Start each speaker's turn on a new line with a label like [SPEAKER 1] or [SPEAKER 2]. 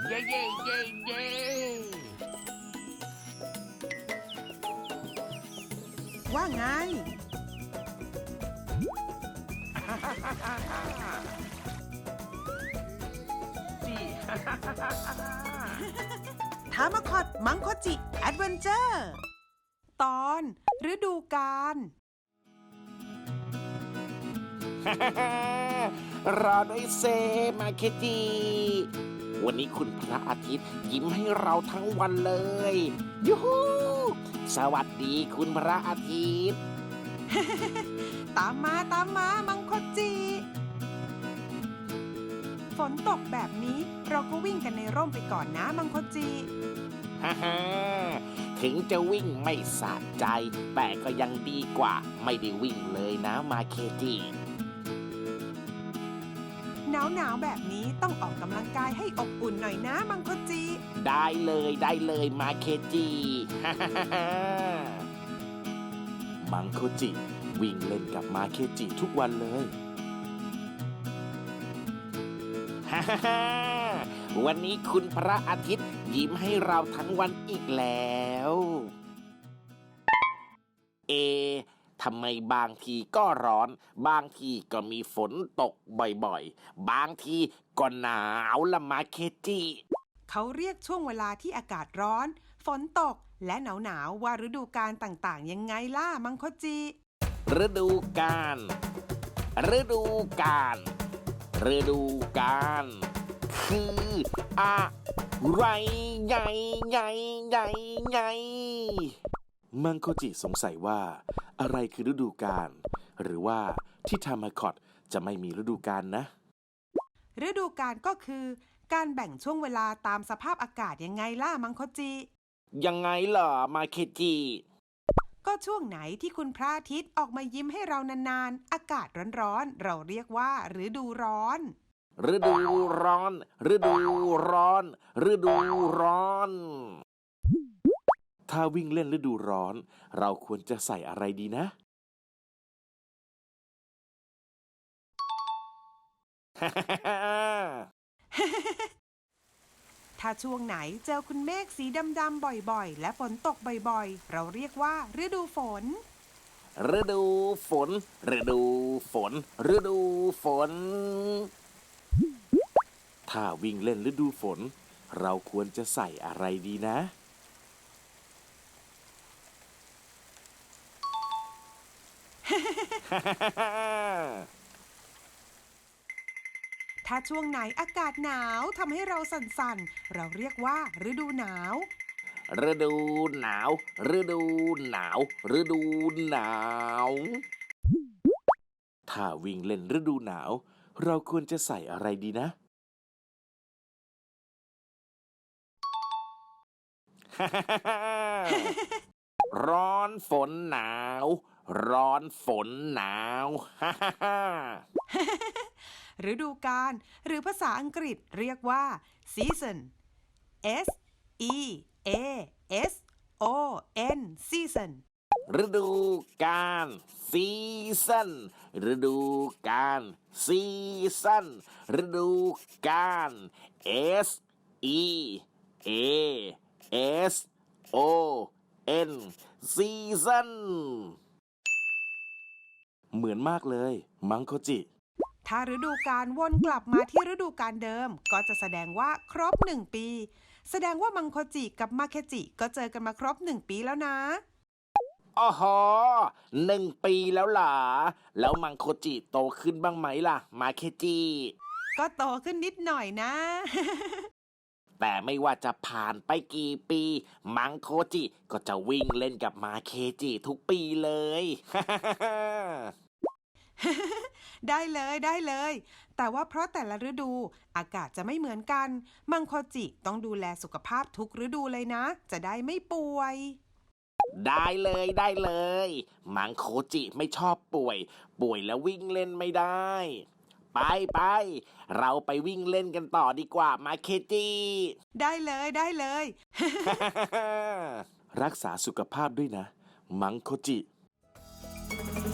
[SPEAKER 1] เย้เย้เย้เย้
[SPEAKER 2] ว่าไง
[SPEAKER 1] จี
[SPEAKER 2] ทามาคอดมังโคจิแอดเวนเจอร์ตอนฤดูกาล
[SPEAKER 3] รอด้วยเซมาเคจิวันนี้คุณพระอาทิตย์ยิ้มให้เราทั้งวันเลยยูฮูสวัสดีคุณพระอาทิตย์
[SPEAKER 2] ตามมามังโคจิ ฝนตกแบบนี้เราก็วิ่งกันในร่มไปก่อนนะมังโคจิ
[SPEAKER 3] ฮ่าฮ่าถึงจะวิ่งไม่สะใจ แต่ก็ยังดีกว่าไม่ได้วิ่งเลยนะมาเคจิ
[SPEAKER 2] หนาวแบบนี้ต้องออกกำลังกายให้อบอุ่นหน่อยนะมังโคจิ
[SPEAKER 3] ได้เลยมาเคจิฮ่าฮ่าฮ่ามังโคจิวิ่งเล่นกับมาเคจิทุกวันเลยฮ่าฮ่าฮ่าวันนี้คุณพระอาทิตย์ยิ้มให้เราทั้งวันอีกแล้วทำไมบางทีก็ร้อนบางทีก็มีฝนตกบ่อยๆบางทีก็หนาวละมาเคจิ
[SPEAKER 2] เขาเรียกช่วงเวลาที่อากาศร้อนฝนตกและหนาวว่าฤดูกาลต่างๆยังไงล่ะมังโคจิ
[SPEAKER 3] ฤดูกาลฤดูกาลฤดูกาลคืออะไรใหญ่มังโคจิสงสัยว่าอะไรคือฤดูกาลหรือว่าที่ทามาคอตจะไม่มีฤดูกาลนะ
[SPEAKER 2] ฤดูกาลก็คือการแบ่งช่วงเวลาตามสภาพอากาศยังไงล่ะมังโคจิ
[SPEAKER 3] ยังไงเหรอมาเคจิ
[SPEAKER 2] ก็ช่วงไหนที่คุณพระอาทิตย์ออกมายิ้มให้เรานานๆอากาศร้อนๆเราเรียกว่าฤดูร้อน
[SPEAKER 3] ฤดูร้อนฤดูร้อนฤดูร้อน ถ้าวิ่งเล่นฤดูร้อนเราควรจะใส่อะไรดีนะ
[SPEAKER 2] ถ้าช่วงไหนเจอคุณเมฆสีดำๆบ่อยๆและฝนตกบ่อยๆเราเรียกว่าฤดูฝน
[SPEAKER 3] ฤดูฝนฤดูฝนฤดูฝน ถ้าวิ่งเล่นฤดูฝนเราควรจะใส่อะไรดีนะ
[SPEAKER 2] ถ้าช่วงไหนอากาศหนาวทำให้เราสั่นๆเราเรียกว่าฤดูหนาว
[SPEAKER 3] ฤดูหนาวฤดูหนาวฤดูหนาว ถ้าวิ่งเล่นฤดูหนาวเราควรจะใส่อะไรดีนะ ร้อนฝนหนาวร้อนฝนหนาว
[SPEAKER 2] ฤดูกาลหรือภาษาอังกฤษเรียกว่า season S E A S O N season
[SPEAKER 3] ฤดูกาลซีซันฤดูกาลซีซันฤดูกาล S E A S O N ซีซันเหมือนมากเลยมังโคจิ
[SPEAKER 2] ถ้าฤดูกาลวนกลับมาที่ฤดูกาลเดิมก็จะแสดงว่าครบ1 ปีแสดงว่ามังโคจิกับมาเคจิก็เจอกันมาครบ1 ปีแล้วนะ
[SPEAKER 3] อ๋อ1 ปีแล้วเหรอแล้วมังโคจิโตขึ้นบ้างไหมล่ะมาเคจิ
[SPEAKER 2] ก็โตขึ้นนิดหน่อยนะ
[SPEAKER 3] แต่ไม่ว่าจะผ่านไปกี่ปีมังโคจิก็จะวิ่งเล่นกับมาเคจิทุกปีเลย
[SPEAKER 2] ได้เลยแต่ว่าเพราะแต่ละฤดูอากาศจะไม่เหมือนกันมังโคจิต้องดูแลสุขภาพทุกฤดูเลยนะ จะได้ไม่ป่วย
[SPEAKER 3] ได้เลยมังโคจิไม่ชอบป่วยแล้ววิ่งเล่นไม่ได้ ไปเราไปวิ่งเล่นกันต่อดีกว่ามาเคจิ
[SPEAKER 2] ได้เลย
[SPEAKER 3] รักษาสุขภาพด้วยนะมังโคจิ